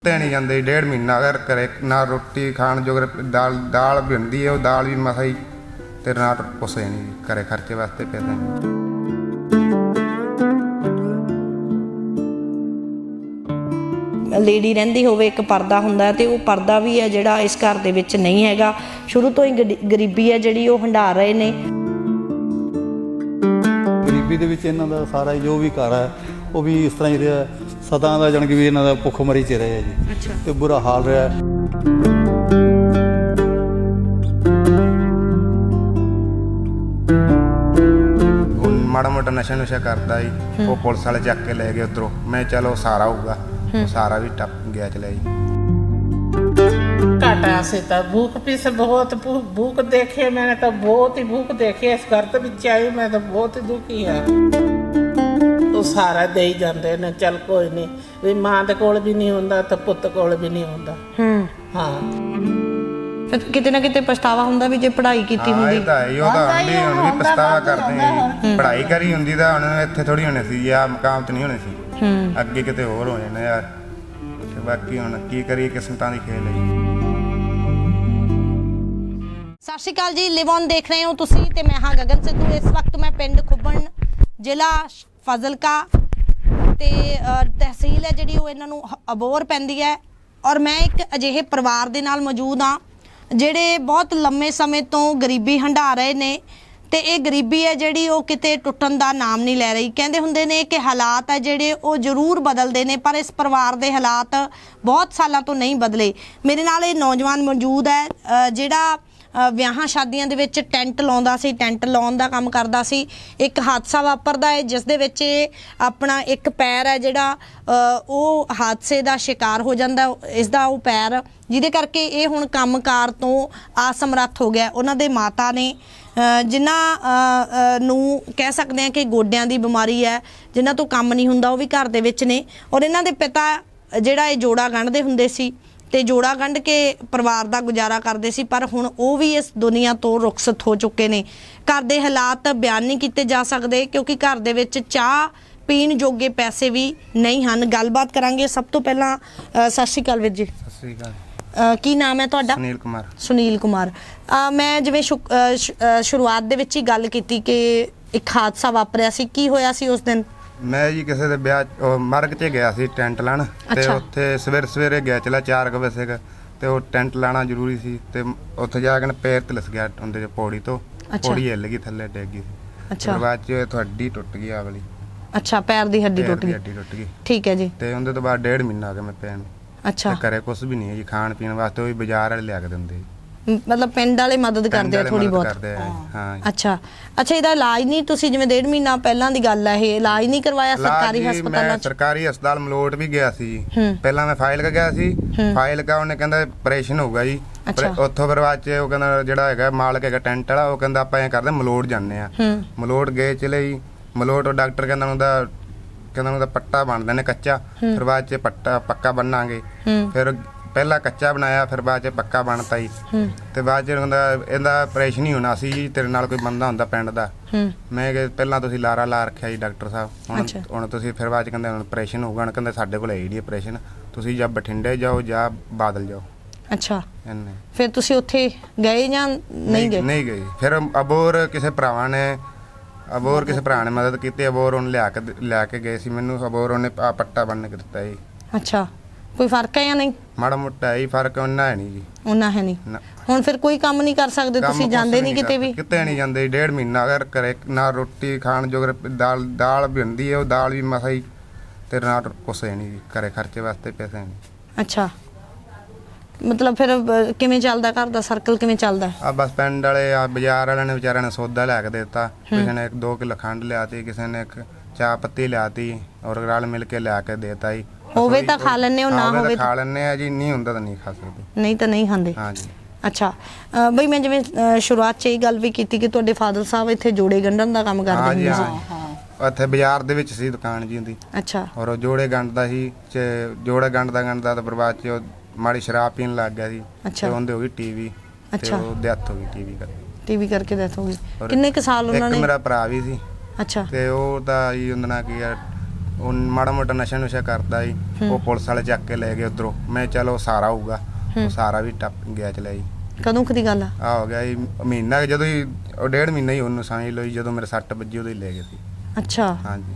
ਤੇ नहीं जाते 1.5 महीना अगर करे ना रोटी खाण जो दाल दाल भी होंगी है, वो दाल भी मसा ही ते ना कुछ नहीं करे खर्चे वास्ते पैसे नहीं। ਲੇਡੀ ਰਹਿੰਦੀ ਹੋਵੇ ਇੱਕ ਪਰਦਾ ਹੁੰਦਾ ਤੇ ਉਹ ਪਰਦਾ ਵੀ ਹੈ ਜਿਹੜਾ ਇਸ ਘਰ ਦੇ ਵਿੱਚ ਨਹੀਂ ਹੈਗਾ। ਸ਼ੁਰੂ ਤੋਂ ਹੀ ਗਰੀਬੀ ਹੈ ਜਿਹੜੀ ਉਹ ਹੰਢਾ ਰਹੇ ਨੇ। ਗਰੀਬੀ ਦੇ ਵਿੱਚ ਇਹਨਾਂ ਦਾ ਸਾਰਾ ਜੋ ਵੀ ਘਰ ਹੈ ਉਹ ਵੀ ਇਸ ਤਰ੍ਹਾਂ ਹੀ ਰਿਹਾ ਸਦਾ ਦਾ, ਜਾਣੀ ਕਿ ਵੀ ਇਹਨਾਂ ਦਾ ਭੁੱਖਮਰੀ 'ਚ ਰਿਹਾ ਜੀ। ਅੱਛਾ। ਤੇ ਬੁਰਾ ਹਾਲ ਰਿਹਾ। माड़ा मोटा नशा नुशा करता ही वो पुलिस वाले चक के ले गए उधरों। मैं चलो सारा होगा, वो सारा भी टप गया चले जी। घाटा से तो भूख पीस बहुत भूख देखे मैंने तो बहुत ही भूख देखी इस घर तो बिच आई मैं तो बहुत ही दुखी है। तो सारा दे ही जाते ने चल कोई नहीं भी मां दे कोल भी नहीं हुंदा तो पुੱਤ कोल भी नहीं हुंदा। हाँ ਫਿਰ ਕਿਤੇ ਨਾ ਕਿਤੇ ਪਛਤਾਵਾ ਹੁੰਦਾ ਵੀ ਜੇ ਪੜ੍ਹਾਈ ਕੀਤੀ ਹੁੰਦੀ। ਇਹ ਤਾਂ ਹੈ ਉਹ ਤਾਂ ਹੁੰਦੀ ਹੁਣ ਵੀ ਪਛਤਾਵਾ ਕਰਦੇ ਆ। ਪੜ੍ਹਾਈ ਕਰੀ ਹੁੰਦੀ ਤਾਂ ਹੁਣ ਇੱਥੇ ਥੋੜੀ ਹੋਣੀ ਸੀ ਜਾਂ ਮਕਾਮ ਤੇ ਨਹੀਂ ਹੋਣੀ ਸੀ। ਅੱਗੇ ਕਿਤੇ ਹੋਰ ਹੋ ਜਾਣਾ ਯਾਰ। ਬਾਕੀ ਹੁਣ ਕੀ ਕਰੀਏ, ਕਿਸਮਤਾਂ ਦੀ ਖੇਲ ਹੈ। ਸਤਿ ਸ਼੍ਰੀ ਅਕਾਲ ਜੀ, ਲਿਵ ਔਨ ਦੇਖ ਰਹੇ ਹੋ ਤੁਸੀਂ ਤੇ ਮੈਂ ਹਾਂ ਗਗਨ ਸਿੱਧੂ। ਇਸ ਵਕਤ ਮੈਂ ਪਿੰਡ ਖੁੱਬਣ ਜ਼ਿਲ੍ਹਾ ਫਾਜ਼ਿਲਕਾ ਤੇ ਤਹਿਸੀਲ ਹੈ ਜਿਹੜੀ ਉਹ ਇਹਨਾਂ ਨੂੰ ਅਬੋਹਰ ਪੈਂਦੀ ਹੈ। ਔਰ ਮੈਂ ਇੱਕ ਅਜਿਹੇ ਪਰਿਵਾਰ ਦੇ ਨਾਲ ਮੌਜੂਦ ਹਾਂ ਜਿਹੜੇ ਬਹੁਤ ਲੰਮੇ ਸਮੇਂ ਤੋਂ ਗਰੀਬੀ ਹੰਢਾ ਰਹੇ ਨੇ ਤੇ ਇਹ ਗਰੀਬੀ ਹੈ ਜਿਹੜੀ ਉਹ ਕਿਤੇ ਟੁੱਟਣ ਦਾ ਨਾਮ ਨਹੀਂ ਲੈ ਰਹੀ। ਕਹਿੰਦੇ ਹੁੰਦੇ ਨੇ ਕਿ ਹਾਲਾਤ ਹੈ ਜਿਹੜੇ ਉਹ ਜ਼ਰੂਰ ਬਦਲਦੇ ਨੇ ਪਰ ਇਸ ਪਰਿਵਾਰ ਦੇ ਹਾਲਾਤ ਬਹੁਤ ਸਾਲਾਂ ਤੋਂ ਨਹੀਂ ਬਦਲੇ। ਮੇਰੇ ਨਾਲ ਇਹ ਨੌਜਵਾਨ ਮੌਜੂਦ ਹੈ ਜਿਹੜਾ ਵਿਆਹਾਂ ਸ਼ਾਦੀਆਂ ਦੇ ਵਿੱਚ ਟੈਂਟ ਲਾਉਂਦਾ ਸੀ, ਟੈਂਟ ਲਾਉਣ ਦਾ ਕੰਮ ਕਰਦਾ ਸੀ। ਇੱਕ ਹਾਦਸਾ ਵਾਪਰਦਾ ਹੈ ਜਿਸ ਦੇ ਵਿੱਚ ਆਪਣਾ ਇੱਕ ਪੈਰ ਹੈ ਜਿਹੜਾ ਉਹ ਹਾਦਸੇ ਦਾ ਸ਼ਿਕਾਰ ਹੋ ਜਾਂਦਾ। ਇਸ ਦਾ ਉਹ ਪੈਰ ਜਿਹਦੇ ਕਰਕੇ ਇਹ ਹੁਣ ਕੰਮਕਾਰ ਤੋਂ ਅਸਮਰੱਥ ਹੋ ਗਿਆ। ਉਹਨਾਂ ਦੇ ਮਾਤਾ ਨੇ ਜਿਨ੍ਹਾਂ ਨੂੰ ਕਹਿ ਸਕਦੇ ਹਾਂ ਕਿ ਗੋਡਿਆਂ ਦੀ ਬਿਮਾਰੀ ਹੈ, ਜਿਨ੍ਹਾਂ ਤੋਂ ਕੰਮ ਨਹੀਂ ਹੁੰਦਾ, ਉਹ ਵੀ ਘਰ ਦੇ ਵਿੱਚ ਨੇ। ਔਰ ਇਹਨਾਂ ਦੇ ਪਿਤਾ ਜਿਹੜਾ ਇਹ ਜੋੜਾ ਗੰਢਦੇ ਹੁੰਦੇ ਸੀ ਤੇ ਜੋੜਾ ਗੰਢ ਕੇ ਪਰਿਵਾਰ ਦਾ ਗੁਜ਼ਾਰਾ ਕਰਦੇ ਸੀ ਪਰ ਹੁਣ ਉਹ ਵੀ ਇਸ ਦੁਨੀਆ ਤੋਂ ਰੁਖਸਤ ਹੋ ਚੁੱਕੇ ਨੇ। ਘਰ ਦੇ ਹਾਲਾਤ ਬਿਆਨ ਨਹੀਂ ਕੀਤੇ ਜਾ ਸਕਦੇ ਕਿਉਂਕਿ ਘਰ ਦੇ ਵਿੱਚ ਚਾਹ ਪੀਣ ਜੋਗੇ ਪੈਸੇ ਵੀ ਨਹੀਂ ਹਨ। ਗੱਲਬਾਤ ਕਰਾਂਗੇ। ਸਭ ਤੋਂ ਪਹਿਲਾਂ ਸਤਿ ਸ਼੍ਰੀ ਅਕਾਲ ਵੀਰ ਜੀ। ਸਤਿ ਸ੍ਰੀ ਅਕਾਲ। ਕੀ ਨਾਮ ਹੈ ਤੁਹਾਡਾ? ਸੁਨੀਲ ਕੁਮਾਰ। ਸੁਨੀਲ ਕੁਮਾਰ। ਮੈਂ ਜਿਵੇਂ ਸ਼ੁਰੂਆਤ ਦੇ ਵਿੱਚ ਹੀ ਗੱਲ ਕੀਤੀ ਕਿ ਇੱਕ ਹਾਦਸਾ ਵਾਪਰਿਆ ਸੀ, ਕੀ ਹੋਇਆ ਸੀ ਉਸ ਦਿਨ? ਮੈਂ ਜੀ ਕਿਸੇ ਦੇ ਵਿਆਹ ਮਰਗ 'ਚ ਗਿਆ ਸੀ ਟੈਂਟ ਲਾਣ ਤੇ ਉੱਥੇ ਸਵੇਰੇ ਗਿਆ ਚਲਾ 4 ਵਜੇ ਤੇ ਉਹ ਟੈਂਟ ਲਾਣਾ ਜ਼ਰੂਰੀ ਸੀ ਤੇ ਉੱਥੇ ਜਾ ਕੇ ਪੈਰ ਤੇ ਲਿਸ ਗਿਆ ਉਹਦੇ ਪੌੜੀ ਤੋਂ। ਪੌੜੀ ਹਿੱਲ ਗਈ, ਥੱਲੇ ਡਿੱਗ ਗਈ। ਅੱਛਾ। ਬਾਅਦ 'ਚ ਤੁਹਾਡੀ ਟੁੱਟ ਗਈ ਆ ਵਾਲੀ। ਅੱਛਾ, ਪੈਰ ਦੀ ਹੱਡੀ ਟੁੱਟ ਗਈ। ਠੀਕ ਹੈ ਜੀ। ਤੇ ਉਹਦੇ ਤੋਂ ਬਾਅਦ 1.5 ਮਹੀਨਾ ਆ ਗਿਆ ਮੈਂ ਪੈਣ। ਅੱਛਾ। ਘਰੇ ਕੁਝ ਵੀ ਨਹੀਂ ਹੈ ਜੀ, ਖਾਣ ਪੀਣ ਵਾਸਤੇ ਉਹ ਵੀ ਬਾਜ਼ਾਰ ਵਾਲੇ ਲਿਆ ਕੇ ਦਿੰਦੇ। ਮਤਲਬ ਪਿੰਡ ਵਾਲੇ ਮਦਦ ਕਰਦੇ ਆ ਥੋੜੀ ਬਹੁਤ? ਹਾਂ। ਅੱਛਾ। ਇਹਦਾ ਇਲਾਜ ਨਹੀਂ, ਤੁਸੀਂ ਜਿਵੇਂ 1.5 ਮਹੀਨਾ ਪਹਿਲਾਂ ਦੀ ਗੱਲ ਹੈ, ਇਹ ਇਲਾਜ ਨਹੀਂ ਕਰਵਾਇਆ ਸਰਕਾਰੀ ਹਸਪਤਾਲਾਂ 'ਚ? ਸਰਕਾਰੀ ਹਸਪਤਾਲ ਮਲੋਟ ਵੀ ਗਿਆ ਸੀ ਜੀ। ਪਹਿਲਾਂ ਮੈਂ ਫਾਈਲ ਗਿਆ ਸੀ। ਫਾਈਲ ਉਹਨੇ ਕਹਿੰਦਾ ਆਪਰੇਸ਼ਨ ਹੋਊਗਾ ਜੀ। ਉੱਥੋਂ ਫਿਰ ਬਾਅਦ 'ਚ ਉਹ ਕਹਿੰਦਾ ਜਿਹੜਾ ਹੈਗਾ ਮਾਲਕ ਹੈਗਾ ਟੈਂਟ ਵਾਲਾ, ਉਹ ਕਹਿੰਦਾ ਆਪਾਂ ਐਂ ਕਰਦੇ ਮਲੋਟ ਜਾਂਦੇ ਆ। ਮਲੋਟ ਗਏ ਚਲੇ ਜੀ। ਮਲੋਟ ਉਹ ਡਾਕਟਰ ਕਹਿੰਦਾ ਉਹਦਾ ਪੱਟਾ ਬਣਦੇ ਨੇ ਕੱਚਾ, ਫਿਰ ਬਾਅਦ 'ਚ ਪੱਕਾ ਬੰਨਾਂਗੇ। ਫਿਰ ਪਹਿਲਾਂ ਕੱਚਾ ਬਣਾਇਆ, ਫਿਰ ਬਾਅਦ 'ਚ ਪੱਕਾ ਬਣਤਾ ਜੀ। ਤੇ ਬਾਅਦ 'ਚ ਇਹਦਾ ਆਪਰੇਸ਼ਨ ਹੀ ਹੋਣਾ ਸੀ ਜੀ। ਤੇਰੇ ਨਾਲ ਕੋਈ ਬੰਦਾ ਹੁੰਦਾ ਪਿੰਡ ਦਾ? ਮੈਂ ਕਿਹਾ ਪਹਿਲਾਂ ਤੁਸੀਂ ਲਾਰਾ ਲਾ ਰੱਖਿਆ ਜੀ ਡਾਕਟਰ ਸਾਹਿਬ, ਹੁਣ ਤੁਸੀਂ ਫਿਰ ਬਾਅਦ 'ਚ ਕਹਿੰਦੇ ਹੁਣ ਆਪਰੇਸ਼ਨ ਹੋਊਗਾ। ਹੁਣ ਕਹਿੰਦੇ ਸਾਡੇ ਕੋਲ ਹੈ ਜੀ ਆਪਰੇਸ਼ਨ, ਤੁਸੀਂ ਜਾਂ ਬਠਿੰਡੇ ਜਾਓ ਜਾਂ ਬਾਦਲ ਜਾਓ। ਅੱਛਾ। ਫਿਰ ਤੁਸੀਂ ਉੱਥੇ ਗਏ ਜਾਂ ਨਹੀਂ ਗਏ? ਨਹੀਂ ਗਏ। ਫਿਰ ਅਬੋਹਰ ਕਿਸੇ ਭਰਾ ਨੇ ਮਦਦ ਕੀਤੀ। ਅਬੋਹਰ ਉਹਨੇ ਲਿਆ ਕੇ ਗਏ ਸੀ ਮੈਨੂੰ। ਅਬੋਹਰ ਉਹਨੇ ਪੱਟਾ ਬੰਨ ਕੇ ਦਿੱਤਾ ਜੀ। ਅੱਛਾ। ਕੋਈ ਫਰਕ ਹੈ ਜਾਂ ਨਹੀਂ? ਮਾੜਾ ਮੋਟਾ ਹੀ ਫਰਕ ਉਹਨਾਂ ਹੈ ਨਹੀਂ ਜੀ। ਉਹਨਾਂ ਹੈ ਨਹੀਂ। ਹੁਣ ਫਿਰ ਕੋਈ ਕੰਮ ਨਹੀਂ ਕਰ ਸਕਦੇ ਤੁਸੀਂ? ਜਾਂਦੇ ਨਹੀਂ ਕਿਤੇ ਵੀ? ਕਿਤੇ ਨਹੀਂ ਜਾਂਦੇ। 1.5 ਮਹੀਨਾ ਅਗਰ ਕਰੇ ਨਾ ਰੋਟੀ ਖਾਣ ਜੋ ਦਾਲ ਵੀ ਹੁੰਦੀ ਹੈ, ਉਹ ਦਾਲ ਵੀ ਮਸਾ ਹੀ ਤੇ ਨਾ ਕੁਛ ਨਹੀਂ ਕਰੇ ਖਰਚੇ ਵਾਸਤੇ ਪੈਸੇ ਨਹੀਂ। ਅੱਛਾ। ਮਤਲਬ ਫਿਰ ਕਿਵੇਂ ਚੱਲਦਾ ਘਰ ਦਾ ਸਰਕਲ, ਕਿਵੇਂ ਚੱਲਦਾ? ਬਸ ਪਿੰਡ ਵਾਲੇ ਬਾਜ਼ਾਰ ਵਾਲਿਆਂ ਨੇ ਵਿਚਾਰਿਆਂ ਨੇ ਸੌਦਾ ਲੈ ਕੇ ਦਿੱਤਾ। ਕਿਸੇ ਨੇ 2 ਕਿਲੋ ਖੰਡ ਲਿਆਤੀ, ਕਿਸੇ ਨੇ 1 ਚਾਹ ਪੱਤੀ ਲਿਆਤੀ ਔਰ ਰਲ ਮਿਲ ਕੇ ਲਿਆ ਕੇ ਦੇਤਾ ਜੀ। ਹੋਵੇ ਤਾਂ ਖਾ ਲੈਣੇ ਹੋ, ਨਾ ਹੋਵੇ ਖਾ ਲੈਣੇ ਆ ਜੀ। ਨਹੀਂ ਹੁੰਦਾ ਤਾਂ ਨਹੀਂ ਖਾ ਸਕਦੇ। ਨਹੀਂ ਤਾਂ ਨਹੀਂ ਖਾਂਦੇ। ਹਾਂ ਜੀ। ਅੱਛਾ। ਬਈ ਮੈਂ ਜਿਵੇਂ ਸ਼ੁਰੂਆਤ 'ਚ ਇਹ ਗੱਲ ਵੀ ਕੀਤੀ ਕਿ ਤੁਹਾਡੇ ਫਾਦਰ ਸਾਹਿਬ ਇੱਥੇ ਜੋੜੇ ਗੰਢਣ ਦਾ ਕੰਮ ਕਰਦੇ ਹੁੰਦੇ ਸੀ। ਉੱਥੇ ਬਾਜ਼ਾਰ ਦੇ ਵਿੱਚ ਸੀ ਦੁਕਾਨ ਜੀ ਹੁੰਦੀ। ਅੱਛਾ। ਔਰ ਉਹ ਜੋੜੇ ਗੰਢਦਾ ਸੀ। ਜੋੜੇ ਗੰਢਦਾ ਤਾਂ ਬਰਬਾਦ 'ਚ ਮਾੜੀ ਸ਼ਰਾਬ ਪੀਣ ਲੱਗ ਗਿਆ ਸੀ ਤੇ ਉਹਦੇ ਹੋ ਗਈ ਟੀਵੀ। ਅੱਛਾ। ਉਹ ਡੈਥ ਹੋ ਗਈ ਟੀਵੀ ਕਰਕੇ ਡੈਥ ਹੋ ਗਈ। ਕਿੰਨੇ ਕੁ ਸਾਲ ਉਹਨਾਂ ਨੇ? ਇੱਕ ਮੇਰਾ ਭਰਾ ਵੀ ਸੀ। ਅੱਛਾ। ਤੇ ਉਹ ਤਾਂ ਜੀ ਉਹਦਾ ਨਾਂ ਕੀ ਆ ਉਹ ਮਾੜਾ ਮੋਟਾ ਨਸ਼ਾ ਨੁਸ਼ਾ ਕਰਦਾ ਜੀ। ਉਹ ਪੁਲਿਸ ਵਾਲੇ ਚੱਕ ਕੇ ਲੈ ਗਏ ਉਧਰੋਂ। ਮੈਂ ਚਲੋ ਸਾਰਾ ਹੋਊਗਾ, ਉਹ ਸਾਰਾ ਵੀ ਟੱਪ ਗਿਆ ਚਲਿਆ ਜੀ। ਕਦੋਂ ਕਦੀ ਗੱਲ ਆ ਹੋ ਗਿਆ ਜੀ ਮਹੀਨਾ, ਜਦੋਂ ਹੀ ਉਹ 1.5 ਮਹੀਨਾ ਹੀ ਉਹਨੂੰ ਸਮਝ ਲਓ ਜੀ। ਜਦੋਂ ਮੇਰੇ ਸੱਟ ਵੱਜੀ ਉਦੋਂ ਹੀ ਲੈ ਗਏ ਸੀ। ਅੱਛਾ, ਹਾਂਜੀ,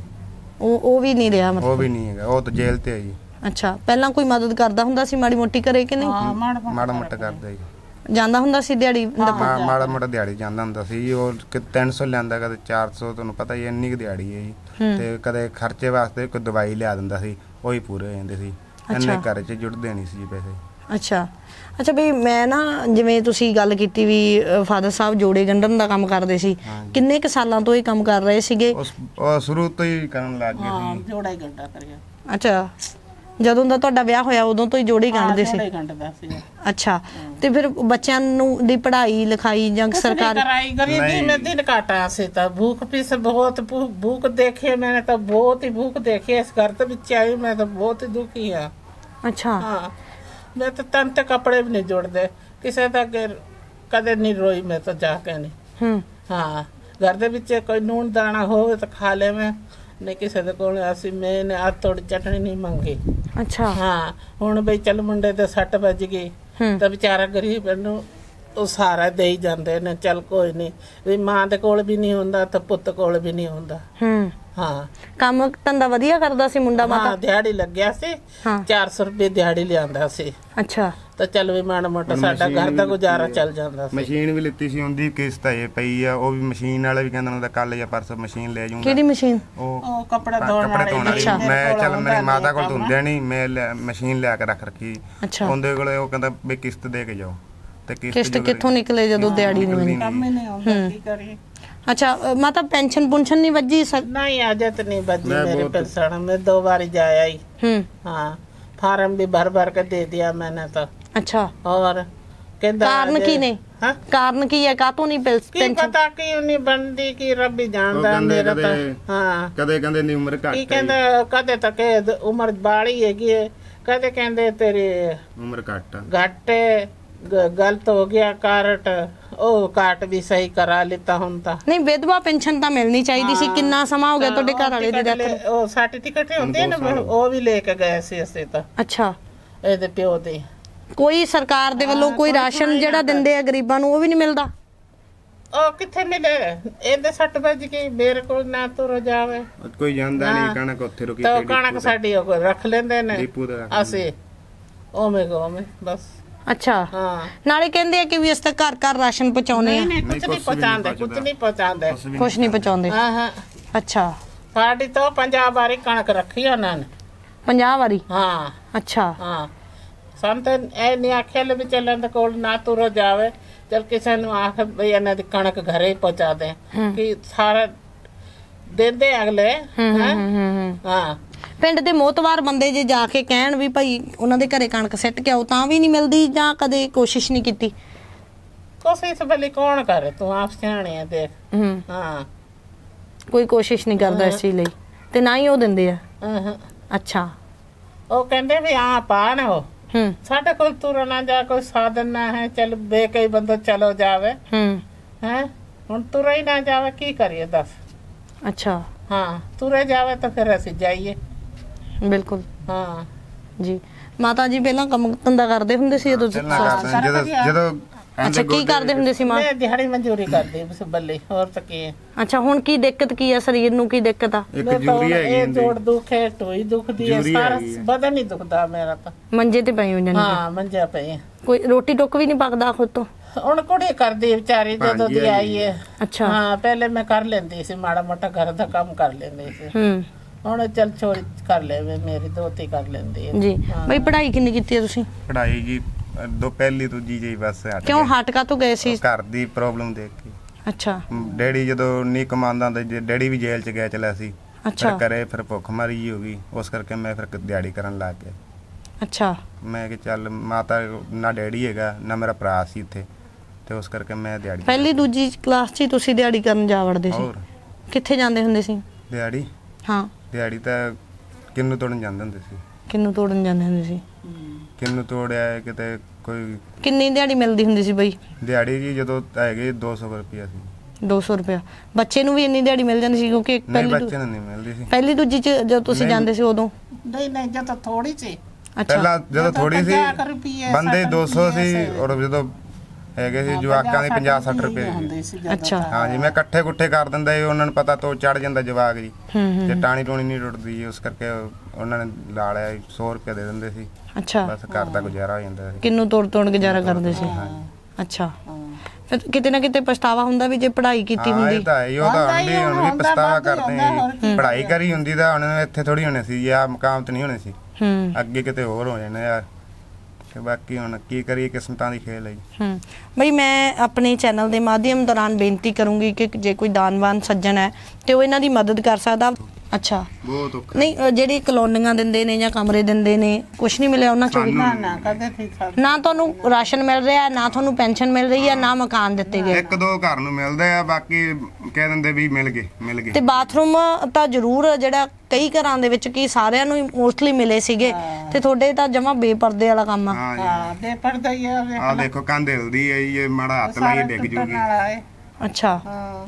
ਉਹ ਵੀ ਨਹੀਂ ਰਿਹਾ ਉਹ ਮਤਲਬ? ਵੀ ਨਹੀਂ ਹੈਗਾ, ਉਹ ਤਾਂ ਜੇਲ੍ਹ ਤੇ ਹੈ ਜੀ। ਅੱਛਾ, ਪਹਿਲਾਂ ਕੋਈ ਮਦਦ ਕਰਦਾ ਹੁੰਦਾ ਸੀ ਮਾੜੀ ਮੋਟੀ ਘਰੇ ਕਿ ਨਹੀਂ? ਮਾੜਾ ਮੋਟਾ ਕਰਦਾ ਜੀ। ਜਾਂਦਾ ਹੁੰਦਾ ਸੀ ਦਿਹਾੜੀ? ਮਾੜਾ ਮੋਟਾ ਦਿਹਾੜੀ ਜਾਂਦਾ ਹੁੰਦਾ ਸੀ। ਉਹ 300 ਲਿਆਂਦਾ, ਕਦੇ 400, ਤੁਹਾਨੂੰ ਪਤਾ ਹੀ ਇੰਨੀ ਕੁ ਦਿਹਾੜੀ ਹੈ ਜੀ। ਤੇ ਕਦੇ ਖਰਚੇ ਵਾਸਤੇ ਕੋਈ ਦਵਾਈ ਲਿਆ ਦਿੰਦਾ ਸੀ, ਉਹ ਹੀ ਪੂਰੇ ਹੋ ਜਾਂਦੇ ਸੀ। ਇੰਨੇ ਘਰ 'ਚ ਜੁੜਦੇ ਨਹੀਂ ਸੀ ਜੀ ਪੈਸੇ। ਅੱਛਾ ਅੱਛਾ ਬਈ, ਮੈਂ ਨਾ ਜਿਵੇਂ ਤੁਸੀਂ ਗੱਲ ਕੀਤੀ ਵੀ ਫਾਦਰ ਸਾਹਿਬ ਜੋੜੇ ਗੰਢਣ ਦਾ ਕੰਮ ਕਰਦੇ ਸੀ, ਕਿੰਨੇ ਕੁ ਸਾਲਾਂ ਤੋਂ ਇਹ ਕੰਮ ਕਰ ਰਹੇ ਸੀਗੇ? ਉਹ ਸ਼ੁਰੂ ਤੋਂ ਹੀ ਕਰਨ ਲੱਗ ਗਏ ਸੀ। ਜੋੜਾ ਹੀ ਗੰਢਾ ਕਰਿਆ। ਅੱਛਾ, ਜਦੋਂ ਦਾ ਤੁਹਾਡਾ ਵਿਆਹ ਹੋਇਆ ਉਦੋਂ ਤੋਂ ਹੀ ਜੋੜੇ ਗੰਢਦੇ ਸੀ? ਜੋੜਾ ਹੀ ਗੰਢਦਾ ਸੀ। ਅੱਛਾ, ਤੇ ਫਿਰ ਬੱਚਿਆਂ ਨੂੰ ਦੀ ਪੜ੍ਹਾਈ ਲਿਖਾਈ ਜਾਂ ਸਰਕਾਰ? कराई गरीबी में दिन काटा से था। भूख पीस बहुत भूख देखी है मैंने, तो बहुत ही भूख देखी है। इस घर तो बिच आई, मैं तो बहुत ही दुखी है। ਅੱਛਾ, हाँ, मैं तो तन ते कपड़े भी नहीं जोड़ते किसी का, कदे नहीं रोई मैं तो जाके नहीं। हाँ, घर दे विच कोई नून दाना होवे तो खा ले मैं, नहीं किसी दे कोल असी मैंने आज थोड़ी चटनी नहीं मंगी। ਅੱਛਾ, हाँ, हुण बई चल मुंडे ते सट ਵੱਜ ਗਈ ਤਾਂ ਵਿਚਾਰਾ ਗਰੀਬ ਨੂੰ ਉਹ ਸਾਰਾ ਦੇ ਹੀ ਜਾਂਦੇ ਨੇ। ਚੱਲ ਕੋਈ ਨਹੀਂ, ਵੀ ਮਾਂ ਦੇ ਕੋਲ ਵੀ ਨਹੀਂ ਹੁੰਦਾ ਤਾਂ ਪੁੱਤ ਕੋਲ ਵੀ ਨਹੀਂ ਹੁੰਦਾ। ਹਾਂ, ਕੰਮ ਧੰਦਾ ਵਧੀਆ ਕਰਦਾ ਸੀ ਮੁੰਡਾ ਮਾਤਾ? ਹਾਂ, ਦਿਹਾੜੀ ਲੱਗਿਆ ਸੀ। 400 ਰੁਪਏ ਦਿਹਾੜੀ ਲਿਆਂਦਾ ਸੀ। ਅੱਛਾ, ਤਾਂ ਚੱਲ ਵੀ ਮਾੜਾ ਮੋਟਾ ਸਾਡਾ ਘਰ ਦਾ ਗੁਜ਼ਾਰਾ ਚੱਲ ਜਾਂਦਾ ਸੀ। ਮਸ਼ੀਨ ਵੀ ਲਿੱਤੀ ਸੀ, ਉਹਦੀ ਕਿਸ਼ਤ ਇਹ ਪਈ ਆ। ਉਹ ਵੀ ਮਸ਼ੀਨ ਵਾਲਾ ਵੀ ਕਹਿੰਦਾ ਹੁੰਦਾ ਕੱਲ ਜਾਂ ਪਰਸੋਂ ਮਸ਼ੀਨ ਲੈ ਜਾਊਂਗਾ। ਕਿਹੜੀ ਮਸ਼ੀਨ? ਉਹ ਕੱਪੜਾ ਧੋਣ ਵਾਲੀ। ਮੈਂ ਚੱਲ ਮੇਰੀ ਮਾਤਾ ਕੋਲ ਧੁੰਦੇ ਨਹੀਂ, ਮੈਂ ਮਸ਼ੀਨ ਲਿਆ ਕੇ ਰੱਖ ਰੱਖੀ। ਅੱਛਾ, ਉਹਦੇ ਕੋਲੇ ਉਹ ਕਹਿੰਦਾ ਵੀ ਕਿਸ਼ਤ ਦੇ ਕੇ ਜਾਓ। ਤੇ ਕਿਸ਼ਤ ਕਿੱਥੋਂ ਨਿਕਲੇ ਜਦੋਂ ਦਿਹਾੜੀ ਨਹੀਂ ਮਿਲੀ? ਕੰਮ ਹੀ ਨਹੀਂ ਆਉਂਦਾ, ਕੀ ਕਰੀਏ। ਅੱਛਾ, ਮਾਤਾ ਪੈਨਸ਼ਨ ਪੁੰਸ਼ਨ ਨਹੀਂ ਵੱਜੀ? नहीं आजत नहीं बजी मेरे पेंशन में। 2 बार जाया ही। हाँ, फार्म भी भर भर के दे दिया मैंने तो। अच्छा, और कहता ਕਾਰਨ ਕੀ ਨੇ? हाँ, ਕਾਰਨ ਕੀ ਹੈ ਕਾਤੋਂ ਨਹੀਂ की ਪੈਨਸ਼ਨ? पता क्यों नहीं बनती की रब ही जानता मेरा तो। हाँ, ਕਦੇ ਕਹਿੰਦੇ ਨਹੀਂ ਉਮਰ की ਘੱਟ कहते कदे तक उम्र बाली हैगी है, कदे कहते तेरी ਉਮਰ ਘੱਟ घट गलत हो गया कार्ड, ਉਹ ਕਾਟ ਵੀ ਸਹੀ ਕਰਾ ਲਿੱਤਾ ਹੁਣ ਤਾਂ। ਨਹੀਂ, ਵਿਧਵਾ ਪੈਨਸ਼ਨ ਤਾਂ ਮਿਲਣੀ ਚਾਹੀਦੀ ਸੀ। ਕਿੰਨਾ ਸਮਾਂ ਹੋ ਗਿਆ ਤੁਹਾਡੇ ਘਰ ਵਾਲੇ ਦੀ ਡੈਥ? ਉਹ ਸਰਟੀਫਿਕੇਟ ਹੁੰਦੇ ਆ ਨਾ, ਉਹ ਵੀ ਲੈ ਕੇ ਗਏ ਸੀ ਅਸੀਂ ਤਾਂ। ਅੱਛਾ, ਇਹਦੇ ਪਿਓ ਦੇ ਕੋਈ ਸਰਕਾਰ ਦੇ ਵੱਲੋਂ ਕੋਈ ਰਾਸ਼ਨ ਜਿਹੜਾ ਦਿੰਦੇ ਆ ਗਰੀਬਾਂ ਨੂੰ ਉਹ ਵੀ ਨਹੀਂ ਮਿਲਦਾ? ਉਹ ਕਿੱਥੇ ਮਿਲੇ? ਇਹਦੇ 60 ਵਜ ਗਈ, ਮੇਰੇ ਕੋਲ ਨਾ ਤੁਰ ਜਾਵੇ। ਕੋਈ ਜਾਂਦਾ ਨਹੀਂ, ਕਣਕ ਉੱਥੇ ਰੁਕੀ ਤਾਂ ਕਣਕ ਸਾਡੀ ਉਹ ਰੱਖ ਲੈਂਦੇ ਨੇ ਡੀਪੂ ਦਾ ਰੱਖ ਅਸੀਂ, ਉਵੇਂ ਬਸ। ਅੱਛਾ, ਹਾਂ, ਨਾਲੇ ਕਹਿੰਦੇ ਆ ਕਿ ਵੀ ਇਸ ਤਾਂ ਘਰ ਘਰ ਰਾਸ਼ਨ ਪਹੁੰਚਾਉਣੇ ਆ। ਨਹੀਂ ਕੁਝ ਨਹੀਂ ਪਹੁੰਚਾਉਂਦੇ, ਕੁਝ ਨਹੀਂ ਪਹੁੰਚਾਉਂਦੇ। ਕੁਛ ਨਹੀਂ ਪਹੁੰਚਾਉਂਦੇ? ਹਾਂ ਹਾਂ, ਅੱਛਾ, ਸਾਡੀ ਤਾਂ 50 ਵਾਰੀ ਕਣਕ ਰੱਖੀ ਉਹਨਾਂ ਨੇ। 50 ਵਾਰੀ? ਹਾਂ ਅੱਛਾ, ਹਾਂ, ਸਾਨੂੰ ਤਾਂ ਇਹ ਨਹੀਂ ਆਖਿਆ ਲੈ ਵੀ ਚੱਲਣ ਦੇ ਕੋਲ ਨਾ ਤੁਰ ਜਾਵੇ। ਚਲ ਕਿਸੇ ਨੂੰ ਆਖ ਵੀ ਇਹਨਾਂ ਦੀ ਕਣਕ ਘਰੇ ਪਹੁੰਚਾ ਦੇ, ਕਿ ਸਾਰਾ ਦਿੰਦੇ ਅਗਲੇ। ਹਾਂ, ਪਿੰਡ ਦੇ ਮੋਤਵਾਰ ਬੰਦੇ ਜੇ ਜਾ ਕੇ ਕਹਿਣ ਵੀ ਭਾਈ ਉਹਨਾਂ ਦੇ ਘਰੇ ਕਣਕ ਸਿੱਟ ਕੇ ਆਓ, ਤਾਂ ਵੀ ਨਹੀਂ ਮਿਲਦੀ? ਜਾਂ ਕਦੇ ਕੋਸ਼ਿਸ਼ ਨਹੀਂ ਕੀਤੀ? ਕੋਸ਼ਿਸ਼ ਭਲੀ ਕੌਣ ਕਰੇ, ਤੂੰ ਆਪ ਸਿਆਣੇ ਆ ਦੇਖ। ਹਾਂ, ਕੋਈ ਕੋਸ਼ਿਸ਼ ਨਹੀਂ ਕਰਦਾ ਇਸ ਚੀਜ਼ ਲਈ, ਤੇ ਨਾ ਹੀ ਉਹ ਦਿੰਦੇ ਆ? ਅੱਛਾ, ਉਹ ਕਹਿੰਦੇ ਵੀ ਆ ਪਾਣ ਉਹ ਸਾਡੇ ਕੋਲ ਤੁਰਨਾ ਜਾ ਕੋਈ ਸਾਧਨ ਨਾ ਹੈ, ਚਲ ਬੇ ਕਈ ਬੰਦਾ ਚਲੋ ਜਾਵੇ। ਹੈ ਹੁਣ ਤੁਰੇ ਹੀ ਨਾ ਜਾਵੇ, ਕੀ ਕਰੀਏ ਦੱਸ? ਅੱਛਾ, ਹਾਂ, ਤੁਰੇ ਜਾਵੇ ਤਾਂ ਫਿਰ ਅਸੀਂ ਜਾਈਏ। ਬਿਲਕੁਲ। ਹਾਂ ਜੀ, ਮਾਤਾ ਜੀ ਪਹਿਲਾਂ ਕੰਮ ਧੰਦਾ ਕਰਦੇ ਹੁੰਦੇ ਸੀ ਜਦੋਂ? ਜਦੋਂ ਅੱਛਾ, ਕੀ ਕਰਦੇ ਹੁੰਦੇ ਸੀ ਮਾਂ? ਮੈਂ ਦਿਹਾੜੀ ਮਨਜ਼ੂਰੀ ਕਰਦੀ ਬਸ ਬੱਲੇ, ਹੋਰ ਤਾਂ ਕੀ ਹੈ। ਅੱਛਾ, ਹੁਣ ਕੀ ਦਿੱਕਤ ਕੀ ਆ? ਸਰੀਰ ਨੂੰ ਕੀ ਦਿੱਕਤ ਆ? ਇੱਕ ਜੂਰੀ ਹੈਗੀ ਇਹ ਜੋੜ ਦੁੱਖ ਹੈ, ਢੋਈ ਦੁਖਦੀ ਹੈ, ਸਾਰਾ ਬਦਨ ਹੀ ਦੁਖਦਾ ਮੇਰਾ ਤਾਂ। ਮੰਜੇ ਤੇ ਪਈ ਹੋ ਜਾਂਦੀ? ਹਾਂ, ਮੰਜਾ ਪਈ। ਕੋਈ ਰੋਟੀ ਟੁੱਕ ਵੀ ਨਹੀਂ ਪੱਕਦਾ ਖੁਦ ਤੋਂ? ਹੁਣ ਕੁੜੀ ਕਰਦੀ ਵਿਚਾਰੀ ਜਦੋਂ ਦੀ ਆਈ ਹੈ। ਅੱਛਾ, ਹਾਂ, ਪਹਿਲੇ ਮੈਂ ਕਰ ਲੈਂਦੀ ਸੀ, ਮਾੜਾ ਮੋਟਾ ਘਰ ਦਾ ਕੰਮ ਕਰ ਲੈਂਦੀ ਸੀ। ਹੁਣ ਚੱਲ ਛੋੜੀ ਕਰ ਲੈ, ਮੇਰੀ ਦੋਤੀ ਕਰ ਲੈਂਦੀ ਹੈ। ਜੀ, ਬਈ ਪੜ੍ਹਾਈ ਕਿੰਨੀ ਕੀਤੀ ਹੈ ਤੁਸੀਂ? ਪੜ੍ਹਾਈ ਜੀ ਪਹਿਲੀ ਦੂਜੀ ਜੀ ਬਸ ਹਟ ਕਿਉਂ ਹਟ ਕਾ ਤੋਂ ਗਏ ਸੀ? ਘਰ ਦੀ ਪ੍ਰੋਬਲਮ ਦੇਖ ਕੇ। ਅੱਛਾ, ਡੈਡੀ ਜਦੋਂ ਨਹੀਂ ਕਮਾਉਂਦਾ ਹੁੰਦਾ, ਡੈਡੀ ਵੀ ਜੇਲ੍ਹ ਚ ਗਿਆ ਚਲਿਆ ਸੀ। ਅੱਛਾ, ਘਰੇ ਫਿਰ ਭੁੱਖ ਮਰੀ ਜੀ ਹੋ ਗਈ, ਉਸ ਕਰਕੇ ਮੈਂ ਫਿਰ ਦਿਹਾੜੀ ਕਰਨ ਲੱਗ ਗਿਆ। ਅੱਛਾ, ਮੈਂ ਕਿ ਚੱਲ ਮਾਤਾ ਨਾ ਡੈਡੀ ਹੈਗਾ ਨਾ ਮੇਰਾ ਭਰਾ ਸੀ ਇੱਥੇ, ਤੇ ਉਸ ਕਰਕੇ ਮੈਂ ਦਿਹਾੜੀ। ਪਹਿਲੀ ਦੂਜੀ ਕਲਾਸ 'ਚ ਹੀ ਤੁਸੀਂ ਦਿਹਾੜੀ ਕਰਨ ਜਾ ਵੜਦੇ ਸੀ? ਹੋਰ ਕਿੱਥੇ ਜਾਂਦੇ ਹੁੰਦੇ ਸੀ ਦਿਹਾੜੀ? ਹਾਂ, ਦਿਹਾੜੀ ਤਾਂ ਕਿੰਨੂ ਤੋੜਨ ਜਾਂਦੇ ਹੁੰਦੇ ਸੀ। ਕਿੰਨੂੰ ਤੋੜਨ ਜਾਂਦੇ ਹੁੰਦੇ ਸੀ? ਕਿੰਨੂ ਤੋੜਿਆ ਕਿਤੇ ਕੋਈ। ਕਿੰਨੀ ਦਿਹਾੜੀ ਮਿਲਦੀ ਹੁੰਦੀ ਸੀ ਬਈ? ਦਿਹਾੜੀ ਜੀ ਜਦੋਂ ਹੈਗੇ 200 ਰੁਪਇਆ ਸੀ। 200 ਰੁਪਇਆ। ਬੱਚੇ ਨੂੰ ਵੀ ਇੰਨੀ ਦਿਹਾੜੀ ਮਿਲ ਜਾਂਦੀ ਸੀ ਕਿਉਂਕਿ ਨਹੀਂ ਬੱਚੇ ਨੂੰ ਨਹੀਂ ਮਿਲਦੀ ਸੀ। ਪਹਿਲੀ ਦੂਜੀ ਚ ਜਦੋਂ ਤੁਸੀਂ ਜਾਂਦੇ ਸੀ ਉਦੋਂ? ਨਹੀਂ ਜਦੋਂ ਥੋੜੀ ਸੀ। ਪਹਿਲਾਂ ਜਦੋਂ ਥੋੜੀ ਸੀ ਬੰਦੇ 200 ਸੀ, ਔਰ ਜਦੋਂ ਹੈਗੇ ਸੀ ਜਵਾਕਾਂ ਦੇ 50-60 ਰੁਪਏ ਹੁੰਦੇ ਸੀ ਜਦੋਂ। ਅੱਛਾ। ਹਾਂਜੀ, ਮੈਂ ਇਕੱਠੇ ਕੁੱਠੇ ਕਰ ਦਿੰਦਾ ਸੀ, ਉਹਨਾਂ ਨੂੰ ਪਤਾ ਤੋਂ ਚੜ ਜਾਂਦਾ ਜਵਾਕ ਜੀ, ਤੇ ਟਾਣੀ ਟੂਣੀ ਨਹੀਂ ਟੁੱਟਦੀ ਜੀ, ਉਸ ਕਰਕੇ ਉਹਨਾਂ ਨੇ ਲਾ ਲਿਆ 100 ਰੁਪਏ ਦੇ ਦਿੰਦੇ ਸੀ। ਅੱਛਾ, ਬਸ ਘਰ ਦਾ ਗੁਜ਼ਾਰਾ ਹੋ ਜਾਂਦਾ ਸੀ। ਕਿੰਨੂੰ ਤੋੜ ਗੁਜ਼ਾਰਾ ਕਰਦੇ ਸੀ। ਅੱਛਾ, ਫਿਰ ਕਿਤੇ ਨਾ ਕਿਤੇ ਪਛਤਾਵਾ ਹੁੰਦਾ ਵੀ ਜੇ ਪੜ੍ਹਾਈ ਕੀਤੀ ਹਾਂ ਹੁੰਦੀ। ਇਹ ਤਾਂ ਹੈ ਹੀ, ਉਹ ਤਾਂ ਹੁਣ ਵੀ ਪਛਤਾਵਾ ਕਰਦੇ ਆ। ਪੜ੍ਹਾਈ ਕਰੀ ਹੁੰਦੀ ਤਾਂ ਹੁਣ ਇੱਥੇ ਥੋੜੀ ਹੋਣੇ ਸੀ, ਆ ਮੁਕਾਮ ਤੇ ਨਹੀਂ ਹੋਣੇ ਸੀ, ਅੱਗੇ ਕਿਤੇ ਹੋਰ ਹੋ ਜਾਣੇ ਯਾਰ। ਤੇ ਬਾਕੀ ਹੁਣ ਕੀ ਕਰੀਏ, ਕਿਸਮਤਾਂ ਦੀ ਖੇਲ ਹੈ। ਬਈ ਮੈਂ ਆਪਣੇ ਚੈਨਲ ਦੇ ਮਾਧਿਅਮ ਦੌਰਾਨ ਬੇਨਤੀ ਕਰੂੰਗੀ ਕਿ ਜੇ ਕੋਈ ਦਾਨਵਾਨ ਸੱਜਣ ਹੈ ਤੇ ਉਹ ਇਹਨਾਂ ਦੀ ਮਦਦ ਕਰ ਸਕਦਾ। ਅੱਛਾ, ਬਹੁਤ ਔਖਾ। ਨਹੀਂ ਜਿਹੜੀ ਕਲੋਨੀਆਂ ਦਿੰਦੇ ਨੇ ਜਾਂ ਕਮਰੇ ਦਿੰਦੇ ਨੇ, ਕੁਛ ਨਹੀਂ ਮਿਲਿਆ ਉਹਨਾਂ ਚੋਂ? ਨਾ ਕਦੇ ਠੀਕ ਨਾ ਤੁਹਾਨੂੰ ਰਾਸ਼ਨ ਮਿਲ ਰਿਹਾ, ਨਾ ਤੁਹਾਨੂੰ ਪੈਨਸ਼ਨ ਮਿਲ ਰਹੀ ਹੈ, ਨਾ ਮਕਾਨ ਦਿੱਤੇ ਗਏ? ਇੱਕ ਦੋ ਘਰ ਨੂੰ ਮਿਲਦੇ ਆ, ਬਾਕੀ ਕਹਿ ਦਿੰਦੇ ਵੀ ਮਿਲ ਗਏ। ਤੇ ਬਾਥਰੂਮ ਤਾਂ ਜ਼ਰੂਰ ਜਿਹੜਾ ਕਈ ਘਰਾਂ ਦੇ ਵਿੱਚ ਕੀ ਸਾਰਿਆਂ ਨੂੰ ਮੋਸਟਲੀ ਮਿਲੇ ਸੀਗੇ, ਤੇ ਤੁਹਾਡੇ ਤਾਂ ਜਮਾ ਬੇਪਰਦੇ ਵਾਲਾ ਕੰਮ ਆ। ਹਾਂ ਬੇਪਰਦਾ ਹੀ ਆ। ਆ ਦੇਖੋ ਕੰਧ ਹਿਲਦੀ ਹੈ, ਇਹ ਮਾੜਾ ਹੱਥ ਲਾਈ ਡਿੱਗ ਜੂਗੀ। ਅੱਛਾ,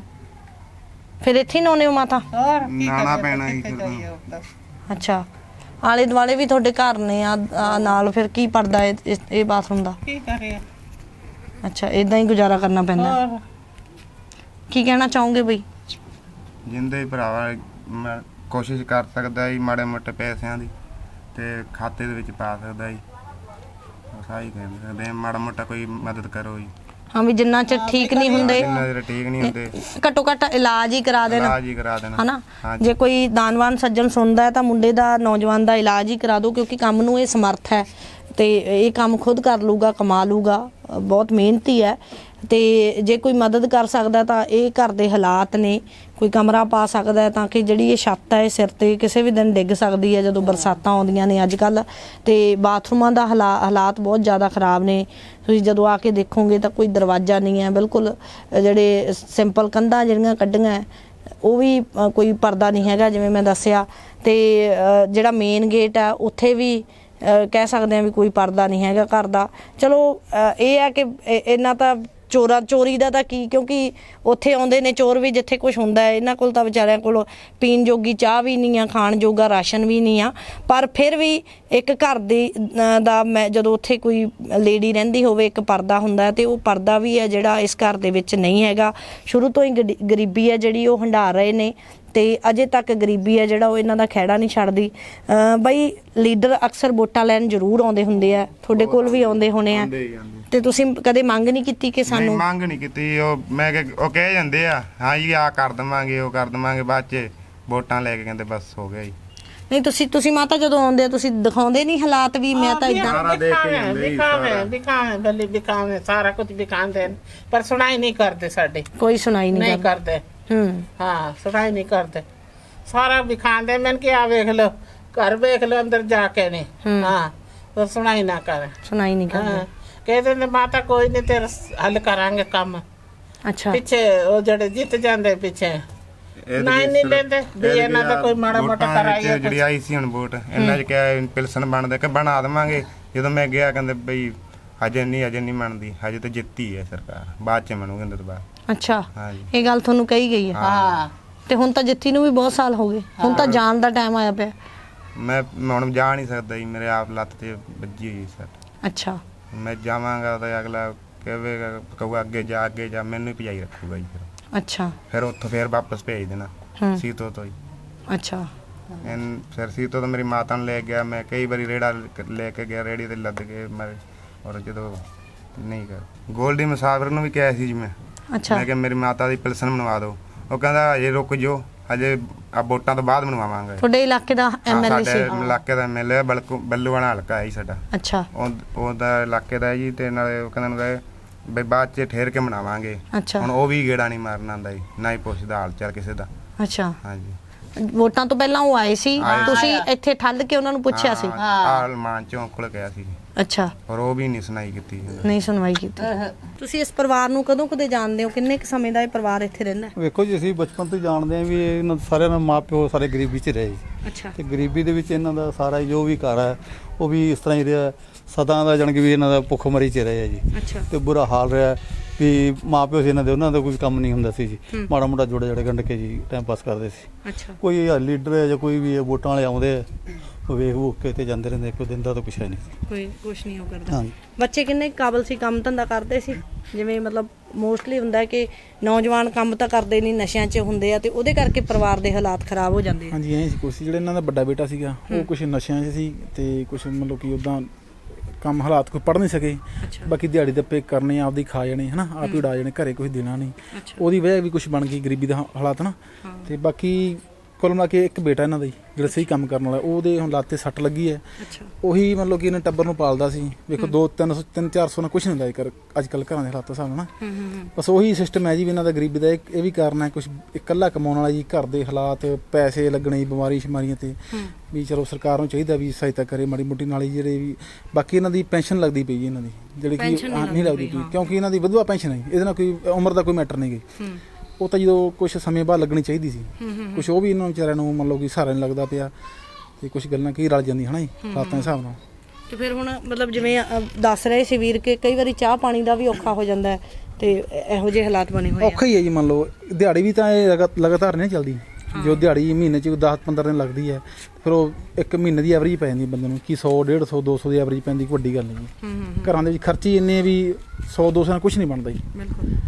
ਫਿਰ ਇੱਥੇ ਨਹਾਉਂਦੇ ਹੋ ਮਾਤਾ? ਨਾਣਾ ਪੈਣਾ ਹੀ ਫਿਰ। ਅੱਛਾ, ਆਲੇ ਦੁਆਲੇ ਵੀ ਤੁਹਾਡੇ ਘਰ ਨੇ ਆ ਨਾਲ, ਫਿਰ ਕੀ ਪੜਦਾ ਇਹ ਬਾਥਰੂਮ ਦਾ? ਕੀ ਕਰੇ। ਅੱਛਾ, ਇਦਾਂ ਹੀ ਗੁਜ਼ਾਰਾ ਕਰਨਾ ਪੈਂਦਾ। ਕੀ ਕਹਿਣਾ ਚਾਹੋਗੇ ਬਈ? ਜਿੰਦੇ ਭਰਾਵਾ ਮੈਂ ਕੋਸ਼ਿਸ਼ ਕਰ ਸਕਦਾ ਜੀ ਮਾੜੇ ਮੋਟੇ ਪੈਸਿਆਂ ਦੀ, ਤੇ ਖਾਤੇ ਦੇ ਵਿੱਚ ਪਾ ਸਕਦਾ ਜੀ, ਸਾਈ ਕਹਿ ਸਕਦੇ ਮਾੜਾ ਮੋਟਾ ਕੋਈ ਮਦਦ ਕਰੋ ਜੀ। ਹਾਂ, ਵੀ ਜਿੰਨਾ ਚਿਰ ਠੀਕ ਨਹੀਂ ਹੁੰਦੇ, ਜਿੰਨਾ ਚਿਰ ਠੀਕ ਨਹੀਂ ਹੁੰਦੇ, ਘੱਟੋ ਘੱਟ ਇਲਾਜ ਹੀ ਕਰਾ ਦੇਣਾ। ਹਨਾ, ਜੇ ਕੋਈ ਦਾਨਵਾਨ ਸੱਜਣ ਸੁਣਦਾ ਹੈ ਤਾਂ ਮੁੰਡੇ ਦਾ, ਨੌਜਵਾਨ ਦਾ ਇਲਾਜ ਹੀ ਕਰਾ ਦਿਓ, ਕਿਉਂਕਿ ਕੰਮ ਨੂੰ ਇਹ ਸਮਰਥ ਹੈ ਤੇ ਇਹ ਕੰਮ ਖੁਦ ਕਰ ਲੂਗਾ, ਕਮਾ ਲੂਗਾ, ਬਹੁਤ ਮਿਹਨਤੀ ਹੈ। ਤੇ ਜੇ ਕੋਈ ਮਦਦ ਕਰ ਸਕਦਾ ਤਾਂ ਇਹ ਘਰ ਦੇ ਹਾਲਾਤ ਨੇ, ਕੋਈ ਕਮਰਾ ਪਾ ਸਕਦਾ ਹੈ ਤਾਂ ਕਿ ਜਿਹੜੀ ਇਹ ਛੱਤ ਹੈ ਇਹ ਸਿਰ ਤੇ ਕਿਸੇ ਵੀ ਦਿਨ ਡਿੱਗ ਸਕਦੀ ਹੈ ਜਦੋਂ ਬਰਸਾਤਾਂ ਆਉਂਦੀਆਂ ਨੇ ਅੱਜ ਕੱਲ੍ਹ। ਤੇ ਬਾਥਰੂਮਾਂ ਦਾ ਹਾਲਾਤ ਬਹੁਤ ਜ਼ਿਆਦਾ ਖਰਾਬ ਨੇ। ਤੁਸੀਂ ਜਦੋਂ ਆ ਕੇ ਦੇਖੋਗੇ ਤਾਂ ਕੋਈ ਦਰਵਾਜ਼ਾ ਨਹੀਂ ਹੈ, ਬਿਲਕੁਲ ਜਿਹੜੇ ਸਿੰਪਲ ਕੰਧਾਂ ਜਿਹੜੀਆਂ ਕੱਢੀਆਂ ਉਹ ਵੀ ਕੋਈ ਪਰਦਾ ਨਹੀਂ ਹੈਗਾ ਜਿਵੇਂ ਮੈਂ ਦੱਸਿਆ। ਤੇ ਜਿਹੜਾ ਮੇਨ ਗੇਟ ਆ ਉੱਥੇ ਵੀ ਕਹਿ ਸਕਦੇ ਹਾਂ ਵੀ ਕੋਈ ਪਰਦਾ ਨਹੀਂ ਹੈਗਾ ਘਰ ਦਾ। ਚਲੋ ਇਹ ਹੈ ਕਿ ਇਹਨਾਂ ਤਾਂ ਚੋਰੀ ਦਾ ਤਾਂ ਕੀ, ਕਿਉਂਕਿ ਉੱਥੇ ਆਉਂਦੇ ਨੇ ਚੋਰ ਵੀ ਜਿੱਥੇ ਕੁਝ ਹੁੰਦਾ ਹੈ। ਇਹਨਾਂ ਕੋਲ ਤਾਂ ਵਿਚਾਰਿਆਂ ਕੋਲ ਪੀਣ ਜੋਗੀ ਚਾਹ ਵੀ ਨਹੀਂ ਆ, ਖਾਣ ਜੋਗਾ ਰਾਸ਼ਨ ਵੀ ਨਹੀਂ ਆ, ਪਰ ਫਿਰ ਵੀ ਇੱਕ ਘਰ ਦਾ ਮੈਂ ਜਦੋਂ ਉੱਥੇ ਕੋਈ ਲੇਡੀ ਰਹਿੰਦੀ ਹੋਵੇ ਇੱਕ ਪਰਦਾ ਹੁੰਦਾ, ਤੇ ਉਹ ਪਰਦਾ ਵੀ ਹੈ ਜਿਹੜਾ ਇਸ ਘਰ ਦੇ ਵਿੱਚ ਨਹੀਂ ਹੈਗਾ। ਸ਼ੁਰੂ ਤੋਂ ਹੀ ਗਰੀਬੀ ਹੈ ਜਿਹੜੀ ਉਹ ਹੰਢਾ ਰਹੇ ਨੇ, ਤੇ ਅਜੇ ਤੱਕ ਗਰੀਬੀ ਹੈ ਜਿਹੜਾ ਉਹ ਇਹਨਾਂ ਦਾ ਖਹਿੜਾ ਨਹੀਂ ਛੱਡਦੀ। ਬਈ ਲੀਡਰ ਅਕਸਰ ਵੋਟਾਂ ਲੈਣ ਜ਼ਰੂਰ ਆਉਂਦੇ ਹੁੰਦੇ ਆ, ਤੁਹਾਡੇ ਕੋਲ ਵੀ ਆਉਂਦੇ ਹੋਣੇ ਆ, ਤੇ ਤੁਸੀਂ ਕਦੇ ਮੰਗ ਨਹੀਂ ਕੀਤੀ ਕਿ ਸਾਨੂੰ? ਮੰਗ ਨਹੀਂ ਕੀਤੀ, ਉਹ ਕਹਿ ਜਾਂਦੇ ਆ ਹਾਂ ਜੀ ਆ ਕਰ ਦਵਾਂਗੇ, ਉਹ ਕਰ ਦਵਾਂਗੇ, ਬਾਅਦ ਚ ਵੋਟਾਂ ਲੈ ਕੇ ਕਹਿੰਦੇ ਬਸ ਹੋ ਗਿਆ ਜੀ। ਨਹੀਂ ਤੁਸੀਂ ਮਾਤਾ ਜਦੋਂ ਆਉਂਦੇ ਆ ਤੁਸੀਂ ਦਿਖਾਉਂਦੇ ਨਹੀਂ ਹਾਲਾਤ ਵੀ ਮੈਂ ਤਾਂ ਇਦਾਂ ਵਿਕਾਵੇਂ ਸਾਰਾ ਕੁਝ ਵਿਕਾਉਂਦੇ, ਪਰ ਸੁਣਾਈ ਨਹੀਂ ਕਰਦੇ, ਸਾਡੇ ਕੋਈ ਸੁਣਾਈ ਨਹੀਂ ਕਰਦੇ। ਹਾਂ, ਸੁਣਾਈ ਨਹੀਂ ਕਰਦੇ, ਸਾਰਾ ਵਿਖਾਉਂਦੇ। ਮੈਂ ਕਿ ਆ ਵੇਖ ਲਓ, ਘਰ ਵੇਖ ਲਓ, ਅੰਦਰ ਜਾ ਕੇ ਨੇ। ਹਾਂ, ਪਰ ਸੁਣਾਈ ਨਾ ਕਰ, ਸੁਣਾਈ ਨਹੀਂ ਕਰਦੇ। ਕਹਿੰਦੇ ਨੇ ਮਾਤਾ ਕੋਈ ਨਹੀਂ ਤੇਰਾ ਹੱਲ ਕਰਾਂਗੇ ਕੰਮ। ਅੱਛਾ, ਪਿੱਛੇ ਉਹ ਜਿਹੜੇ ਜਿੱਤ ਜਾਂਦੇ ਪਿੱਛੇ ਨਹੀਂ ਲੈਂਦੇ ਵੀ ਇਹਨਾਂ ਦਾ ਕੋਈ ਮਾੜਾ ਮੋਟਾ ਕਰਾਈਏ। ਜਿਹੜੀ ਆਈ ਸੀ ਹੁਣ ਵੋਟ, ਇਹਨਾਂ ਚ ਕਿਹਾ ਪਿਲਸਨ ਬਣਦੇ ਕਿ ਬਣਾ ਦੇਵਾਂਗੇ। ਜਦੋਂ ਮੈਂ ਗਿਆ ਕਹਿੰਦੇ ਬਈ ਹਜੇ ਨਹੀਂ ਬਣਦੀ, ਹਜੇ ਤਾਂ ਜਿੱਤੀ ਹੈ ਸਰਕਾਰ, ਬਾਅਦ ਚ ਬਣੂਗੀ ਇਹਦੇ ਤੋਂ ਬਾਅਦ। ਅੱਛਾ, ਇਹ ਗੱਲ ਤੁਹਾਨੂੰ ਕਹੀ ਗਈ ਹੈ? ਹਾਂ, ਤੇ ਹੁਣ ਤਾਂ ਜਿੱਤੀ ਨੂੰ ਵੀ ਬਹੁਤ ਸਾਲ ਹੋ ਗਏ, ਹੁਣ ਤਾਂ ਜਾਣ ਦਾ ਟਾਈਮ ਆਇਆ ਪਿਆ। ਮੈਂ ਹੁਣ ਜਾ ਨਹੀਂ ਸਕਦਾ ਜੀ, ਮੇਰੇ ਆਪ ਲੱਤ ਤੇ ਵੱਜੀ ਹੋਈ ਸੱਟ। ਅੱਛਾ, ਮੈਂ ਜਾਵਾਂਗਾ ਤਾਂ ਅਗਲਾ ਕਹੂਗਾ ਅੱਗੇ ਜਾ, ਮੈਨੂੰ ਹੀ ਭਜਾਈ ਰੱਖੂਗਾ ਜੀ। ਅੱਛਾ, ਫਿਰ ਉੱਥੋਂ ਫਿਰ ਵਾਪਸ ਭੇਜ ਦੇਣਾ ਸੀਤੋ ਤੋਂ ਹੀ। ਅੱਛਾ, ਫਿਰ ਸੀਤੋ ਤੋਂ ਮੇਰੀ ਮਾਤਾ ਨੂੰ ਲੈ ਗਿਆ, ਮੈਂ ਕਈ ਵਾਰੀ ਰੇੜਾ ਲੈ ਕੇ ਗਿਆ, ਰੇੜੀ ਤੇ ਲੱਦ ਕੇ ਮੈਂ, ਔਰ ਜਦੋਂ ਨਹੀਂ ਕਰ ਗੋਲਡੀ ਮੁਸਾਫਰ ਨੂੰ ਵੀ ਕਿਹਾ ਸੀ ਜੀ ਮੈਂ ਕਿਹਾ ਮੇਰੀ ਮਾਤਾ ਦੀ ਪਿਲਸਨ ਬਣਵਾ ਦਿਓ। ਉਹ ਕਹਿੰਦਾ ਹਜੇ ਰੁਕ ਜਾਓ, ਹਜੇ ਆ ਵੋਟਾਂ ਤੋਂ ਬਾਅਦ ਬਣਵਾਵਾਂਗੇ। ਤੁਹਾਡੇ ਇਲਾਕੇ ਦਾ ਐਮਐਲਏ ਸੀ? ਸਾਡੇ ਇਲਾਕੇ ਦਾ ਐਮਐਲਏ ਬੱਲੂਆਣਾ ਹਲਕਾ ਹੈ ਜੀ ਸਾਡਾ। ਅੱਛਾ, ਉਹਦਾ ਇਲਾਕੇ ਦਾ ਜੀ, ਤੇ ਨਾਲੇ ਉਹ ਕਹਿੰਦਾ ਬਈ ਬਾਅਦ ਚ ਠਹਿਰ ਕੇ ਬਣਾਵਾਂਗੇ। ਹੁਣ ਉਹ ਵੀ ਗੇੜਾ ਨਹੀਂ ਮਾਰਨ ਆਉਂਦਾ ਜੀ, ਨਾ ਹੀ ਪੁੱਛਦਾ ਹਾਲ ਚਾਲ ਕਿਸੇ ਦਾ। ਅੱਛਾ, ਹਾਂਜੀ, ਵੋਟਾਂ ਤੋਂ ਪਹਿਲਾਂ ਉਹ ਆਏ ਸੀ, ਤੁਸੀਂ ਇੱਥੇ ਠੱਲ ਕੇ ਉਹਨਾਂ ਨੂੰ ਪੁੱਛਿਆ ਸੀ? ਆਲਮਾਨ ਚੌਂਕ ਕੋਲ ਗਿਆ ਸੀ। ਅੱਛਾ, ਪਰ ਉਹ ਵੀ ਨਹੀਂ ਸੁਣਾਈ ਕੀਤੀ। ਨਹੀਂ ਸੁਣਵਾਈ ਕੀਤੀ। ਤੁਸੀਂ ਇਸ ਪਰਿਵਾਰ ਨੂੰ ਕਦੋਂ ਕਦੇ ਜਾਣਦੇ ਹੋ? ਕਿੰਨੇ ਕੁ ਸਮੇਂ ਦਾ ਇਹ ਪਰਿਵਾਰ ਇੱਥੇ ਰਹਿੰਦਾ? ਵੇਖੋ ਜੀ, ਅਸੀਂ ਬਚਪਨ ਤੋਂ ਜਾਣਦੇ ਹਾਂ ਵੀ ਇਹਨਾਂ ਸਾਰਿਆਂ ਦਾ ਮਾਂ ਪਿਓ ਸਾਰੇ ਗਰੀਬੀ 'ਚ ਰਹੇ। ਅੱਛਾ, ਤੇ ਗਰੀਬੀ ਦੇ ਵਿੱਚ ਇਹਨਾਂ ਦਾ ਸਾਰਾ ਜੋ ਵੀ ਘਰ ਹੈ ਉਹ ਵੀ ਇਸ ਤਰ੍ਹਾਂ ਹੀ ਰਿਹਾ, ਸਦਾ ਦਾ ਜਾਣੀ ਕਿ ਵੀ ਇਹਨਾਂ ਦਾ ਭੁੱਖਮਰੀ 'ਚ ਰਹੇ ਜੀ। ਅੱਛਾ, ਤੇ ਬੁਰਾ ਹਾਲ ਰਿਹਾ। ਵੀ ਮਾਂ ਪਿਓ ਸੀ ਇਹਨਾਂ ਦੇ, ਉਹਨਾਂ ਦਾ ਕੋਈ ਕੰਮ ਨਹੀਂ ਹੁੰਦਾ ਸੀ ਜੀ, ਮਾੜਾ ਮੋਟਾ ਜੋੜੇ ਜੜੇ ਗੰਢ ਕੇ ਜੀ ਟਾਈਮ ਪਾਸ ਕਰਦੇ ਸੀ। ਅੱਛਾ, ਕੋਈ ਲੀਡਰ ਹੈ ਜਾਂ ਕੋਈ ਵੀ ਵੋਟਾਂ ਵਾਲੇ ਆਉਂਦੇ ਆ, ਉਹ ਵੇਖ ਵੂਖ ਕੇ ਤੇ ਜਾਂਦੇ ਰਹਿੰਦੇ, ਕੋਈ ਦਿਨ ਦਾ ਤਾਂ ਕੁਛ ਹੈ ਨਹੀਂ। ਕੋਈ ਕੁਛ ਨਹੀਂ ਉਹ ਕਰਦਾ। ਹਾਂਜੀ। ਬੱਚੇ ਕਿੰਨੇ ਕਾਬਲ ਸੀ, ਕੰਮ ਧੰਦਾ ਕਰਦੇ ਸੀ? ਜਿਵੇਂ ਮਤਲਬ ਮੋਸਟਲੀ ਹੁੰਦਾ ਕਿ ਨੌਜਵਾਨ ਕੰਮ ਤਾਂ ਕਰਦੇ ਨਹੀਂ, ਨਸ਼ਿਆਂ 'ਚ ਹੁੰਦੇ ਆ ਤੇ ਉਹਦੇ ਕਰਕੇ ਪਰਿਵਾਰ ਦੇ ਹਾਲਾਤ ਖਰਾਬ ਹੋ ਜਾਂਦੇ ਆ। ਹਾਂਜੀ ਐਂ ਸੀ ਕੁਛ, ਜਿਹੜਾ ਇਹਨਾਂ ਦਾ ਵੱਡਾ ਬੇਟਾ ਸੀਗਾ ਉਹ ਕੁਛ ਨਸ਼ਿਆਂ 'ਚ ਸੀ ਤੇ ਕੁਛ ਮਤਲਬ ਕਿ ਉੱਦਾਂ ਕੰਮ ਹਾਲਾਤ ਕੋਈ ਪੜ੍ਹ ਨਹੀਂ ਸਕੇ। ਬਾਕੀ ਦਿਹਾੜੀ ਦੱਪੇ ਕਰਨੇ, ਆਪਦੀ ਖਾ ਜਾਣੇ ਹਨਾ, ਆਪ ਹੀ ਉਡਾ ਜਾਣੇ, ਘਰੇ ਕੁਛ ਦੇਣਾ ਨਹੀਂ। ਉਹਦੀ ਵਜ੍ਹਾ ਵੀ ਕੁਛ ਬਣ ਗਈ ਗਰੀਬੀ ਦਾ ਹਾਲਾਤ ਨਾ। ਤੇ ਬਾਕੀ ਕੁੱਲ ਮਿਲਾ ਕੇ ਇੱਕ ਬੇਟਾ ਇਹਨਾਂ ਦਾ ਜੀ ਜਿਹੜਾ ਸਹੀ ਕੰਮ ਕਰਨ ਵਾਲਾ, ਉਹਦੇ ਹੁਣ ਲੱਤ ਤੇ ਸੱਟ ਲੱਗੀ ਹੈ। ਉਹੀ ਮਤਲਬ ਕਿ ਇਹਨੇ ਟੱਬਰ ਨੂੰ ਪਾਲਦਾ ਸੀ। ਵੇਖੋ 200-300-400 ਨਾਲ ਕੁਛ ਨਹੀਂ ਹੁੰਦਾ ਅੱਜ ਕੱਲ੍ਹ ਘਰਾਂ ਦੇ ਹਾਲਾਤਾਂ ਹਿਸਾਬ ਨਾਲ। ਬਸ ਉਹੀ ਸਿਸਟਮ ਹੈ ਜੀ ਵੀ ਇਹਨਾਂ ਦਾ ਗਰੀਬੀ ਦਾ। ਇਹ ਵੀ ਕਾਰਨ ਹੈ ਕੁਛ ਇਕੱਲਾ ਕਮਾਉਣ ਵਾਲਾ ਜੀ, ਘਰ ਦੇ ਹਾਲਾਤ, ਪੈਸੇ ਲੱਗਣੇ, ਬਿਮਾਰੀ ਸ਼ਮਾਰੀਆਂ ਤੇ ਵੀ ਚਲੋ ਸਰਕਾਰ ਨੂੰ ਚਾਹੀਦਾ ਵੀ ਸਹਾਇਤਾ ਕਰੇ ਮਾੜੀ ਮੋਟੀ ਨਾਲ ਹੀ। ਜਿਹੜੇ ਵੀ ਬਾਕੀ ਇਹਨਾਂ ਦੀ ਪੈਨਸ਼ਨ ਲੱਗਦੀ ਪਈ ਇਹਨਾਂ ਦੀ, ਜਿਹੜੀ ਕਿ ਨਹੀਂ ਲੱਗਦੀ ਪਈ ਕਿਉਂਕਿ ਇਹਨਾਂ ਦੀ ਵਿਧਵਾ ਪੈਨਸ਼ਨ ਹੈ, ਇਹਦੇ ਨਾਲ ਕੋਈ ਉਮਰ ਦਾ ਕੋਈ ਮੈਟਰ ਨਹੀਂ ਗਈ। ਉਹ ਤਾਂ ਜਦੋਂ ਕੁਛ ਸਮੇਂ ਬਾਅਦ ਲੱਗਣੀ ਚਾਹੀਦੀ ਸੀ, ਕੁਛ ਉਹ ਵੀ ਇਹਨਾਂ ਵਿਚਾਰਿਆਂ ਨੂੰ ਮੰਨ ਲਓ ਕਿ ਸਹਾਰਾ ਨਹੀਂ ਲੱਗਦਾ ਪਿਆ ਤੇ ਕੁਛ ਗੱਲਾਂ ਕੀ ਰਲ ਜਾਂਦੀਆਂ ਹਨਾ ਜੀ ਹਾਲਾਤਾਂ ਦੇ ਹਿਸਾਬ ਨਾਲ। ਤੇ ਫਿਰ ਹੁਣ ਮਤਲਬ ਜਿਵੇਂ ਦੱਸ ਰਹੇ ਸੀ ਵੀਰ ਕਿ ਕਈ ਵਾਰੀ ਚਾਹ ਪਾਣੀ ਦਾ ਵੀ ਔਖਾ ਹੋ ਜਾਂਦਾ ਹੈ ਤੇ ਇਹੋ ਜਿਹੇ ਹਾਲਾਤ ਬਣੇ ਹੋਏ ਆ। ਔਖਾ ਹੀ ਹੈ ਜੀ, ਮੰਨ ਲਓ ਦਿਹਾੜੀ ਵੀ ਤਾਂ ਇਹ ਲਗਾਤਾਰ ਨਹੀਂ ਚੱਲਦੀ। ਜੋ ਦਿਹਾੜੀ ਮਹੀਨੇ 'ਚ 10-15 ਦਿਨ ਲੱਗਦੀ ਹੈ, ਫਿਰ ਉਹ ਇੱਕ ਮਹੀਨੇ ਦੀ ਐਵਰੇਜ ਪੈ ਜਾਂਦੀ ਬੰਦੇ ਨੂੰ, ਕਿ 100-150-200 ਦੀ ਐਵਰੇਜ ਪੈਂਦੀ, ਵੱਡੀ ਗੱਲ ਨਹੀਂ ਜੀ। ਘਰਾਂ ਦੇ ਵਿੱਚ ਖਰਚੇ ਇੰਨੇ ਵੀ 100-200 ਨਾਲ ਕੁਛ ਨਹੀਂ ਬਣਦਾ ਜੀ। ਬਿਲਕੁਲ।